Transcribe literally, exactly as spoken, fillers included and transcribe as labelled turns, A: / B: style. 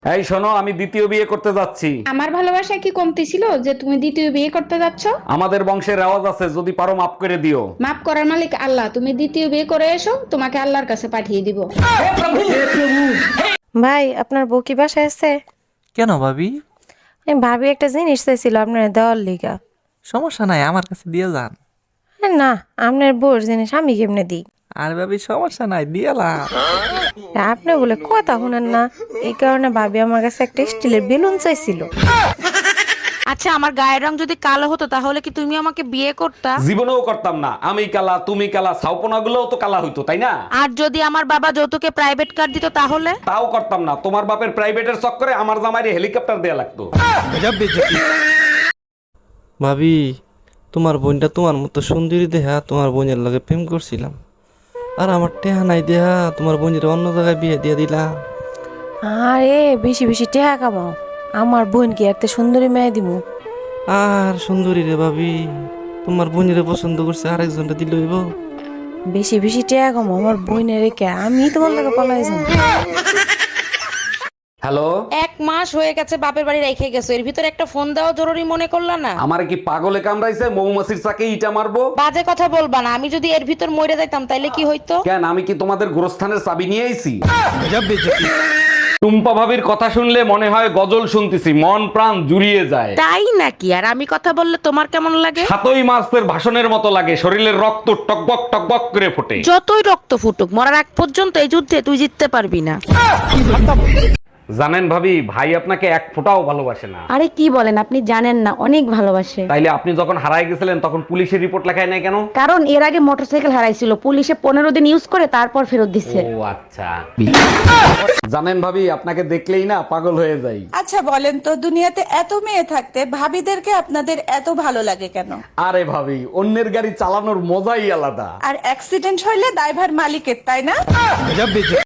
A: এই শোনো, আমি দ্বিতীয় বিয়ে করতে যাচ্ছি।
B: আমার ভালোবাসা কি কমতি ছিল যে তুমি দ্বিতীয় বিয়ে করতে যাচ্ছ?
A: আমাদের বংশের রেওয়াজ আছে, যদি পারো মাফ করে দিও।
B: মাফ করার মালিক আল্লাহ, তুমি দ্বিতীয় বিয়ে করে এসো, তোমাকে আল্লাহর কাছে পাঠিয়ে দিব।
C: ভাই, আপনার বউ কি বাসায় আছে?
D: কেন ভাবি?
C: আমি ভাবি একটা জিনিস চাইছিল আপনার দেওয়ার লিগা।
D: সমস্যা নাই, আমার কাছে দিয়ে যান।
C: এ না, আপনার বউর জিনিস আমি কেমনে দিই?
D: আর ভাবি সমস্যা নাই, দিয়েলাম।
C: আপনি বলে কথা শুনেন না, এই কারণে ভাবি আমার কাছে একটা স্টিলের বেলুন চাইছিল।
E: আচ্ছা, আমার গায়ের রং যদি কালো হতো তাহলে কি তুমি আমাকে বিয়ে করতা?
A: জীবনেও করতাম না। আমি কালা, তুমি কালা, ছাউপনা গুলোও তো কালা হইতো, তাই না?
E: আর যদি আমার বাবা যৌতুকে প্রাইভেট কার দিত তাহলে?
A: তাও করতাম না। তোমার বাপের প্রাইভেটের চক্করে আমার জামাইরে হেলিকপ্টার দেয়া লাগতো।
D: ভাবি, তোমার বোনটা তোমার মতো সুন্দরী দেহা তোমার বোনের লগে প্রেম করছিলাম, আর আমার টেহা নাই দেহা তোমার বোনের অন্য জায়গায় বিয়ে দিয়ে দিলাম।
C: আরে বেশি বেশি টেহা কামাও, আমার বোনকে একটা সুন্দরী মেয়ে দিমু।
D: আর সুন্দরী রে ভাবি, তোমার বোনের পছন্দ করছে, আরেকজনটা দিল হইব।
C: বেশি বেশি টেহা কামাও, আমার বোনের রেখে আমি তোমার লাগে পালাই যাবো।
A: হ্যালো,
E: এক মাস হয়ে গেছে বাপের বাড়ি রেখে গেছো, এর ভিতরে একটা ফোন দেওয়া জরুরি মনে করলা না?
A: আমার কি পাগলে কামড়াইছে? মৌমাছির চাকে ইটা মারবো?
E: বাজে কথা বলবা না, আমি যদি এর ভিতর মরে যাইতাম তাইলে কি হইতো?
A: কেন, আমি কি তোমাদের গোরস্থানের চাবি নিয়ে আইছি? টুম্পা ভাবির কথা শুনলে মনে হয় গজল শুনতেছি, মন প্রাণ জুড়িয়ে যায়।
E: তাই নাকি? আর আমি কথা বললে তোমার কেমন লাগে?
A: সাতই মাসের ভাষণের মতো লাগে, শরীরের রক্ত টকবক টকবক করে ফোটে।
E: যতই রক্ত ফুটুক, মরার আগ পর্যন্ত এই যুদ্ধে তুই জিততে পারবি না।
A: জানেন ভাবি, ভাই আপনাকে এক ফোঁটাও ভালোবাসে না।
F: আরে কি বলেন, আপনি জানেন না, অনেক ভালোবাসে।
A: তাইলে আপনি যখন হারায় গেছিলেন তখন পুলিশের রিপোর্ট লেখায় নাই কেন?
F: কারণ এর আগে মোটরসাইকেল হারাইছিল, পুলিশে পনেরো দিন ইউজ করে তারপর ফেরত দিচ্ছে।
A: ও আচ্ছা। জানেন ভাবি, আপনাকে দেখলেই না পাগল হয়ে যাই।
G: আচ্ছা বলেন তো, দুনিয়াতে এত মেয়ে থাকতে ভাবিদেরকে আপনাদের এত ভালো লাগে কেন?
A: আরে ভাবি, অন্যের গাড়ি চালানোর মজাই আলাদা।
G: আর অ্যাক্সিডেন্ট হইলে দায়ভার মালিকের, তাই না?